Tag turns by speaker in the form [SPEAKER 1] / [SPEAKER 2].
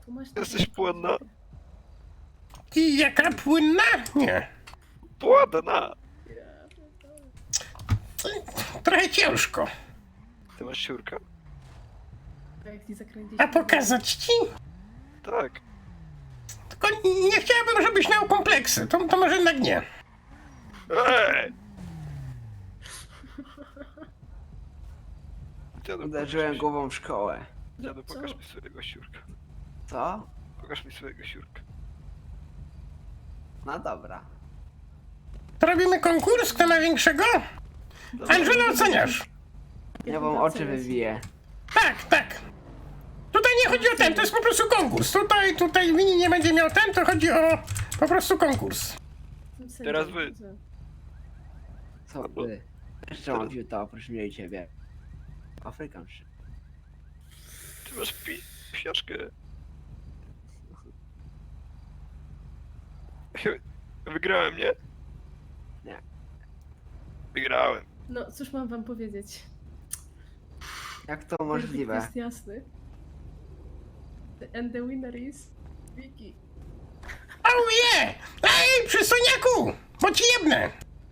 [SPEAKER 1] Tu masz
[SPEAKER 2] Jesteś płynna.
[SPEAKER 3] I jaka płynna? Nie.
[SPEAKER 2] Płodna!
[SPEAKER 1] Ja pierdolę.
[SPEAKER 3] Trochę ciężko.
[SPEAKER 2] Ty masz siurkę?
[SPEAKER 1] A jak ci zakręcić...
[SPEAKER 3] A pokazać ci?
[SPEAKER 2] Tak.
[SPEAKER 3] Tylko nie chciałbym, żebyś miał kompleksy. To może jednak nie.
[SPEAKER 2] Ej! Dziadu,
[SPEAKER 4] Uderzyłem głową w szkołę.
[SPEAKER 2] Dziadu,
[SPEAKER 1] Co?
[SPEAKER 2] pokaż mi swojego siurka.
[SPEAKER 4] Co?
[SPEAKER 2] Pokaż mi swojego siurka.
[SPEAKER 4] No dobra.
[SPEAKER 3] To robimy konkurs, kto ma większego? Angelo, oceniasz?
[SPEAKER 4] Ja wam oczy wywiję.
[SPEAKER 3] Tak, tak. Tutaj nie chodzi o ten, to jest po prostu konkurs. Tutaj Winnie nie będzie miał ten, to chodzi o po prostu konkurs.
[SPEAKER 2] Teraz wy.
[SPEAKER 4] Co ty? Jeszcze mam fiuta oprócz mnie i ciebie. Afrykanszy.
[SPEAKER 2] Ty masz psiaczkę. Wygrałem, nie?
[SPEAKER 4] Nie.
[SPEAKER 2] Wygrałem.
[SPEAKER 1] No, cóż mam wam powiedzieć?
[SPEAKER 4] Jak to możliwe?
[SPEAKER 1] Jest jasny. And the winner is... Vicky.
[SPEAKER 3] Oh yeah! Ej, przystojniaku! Bo ci jebnę!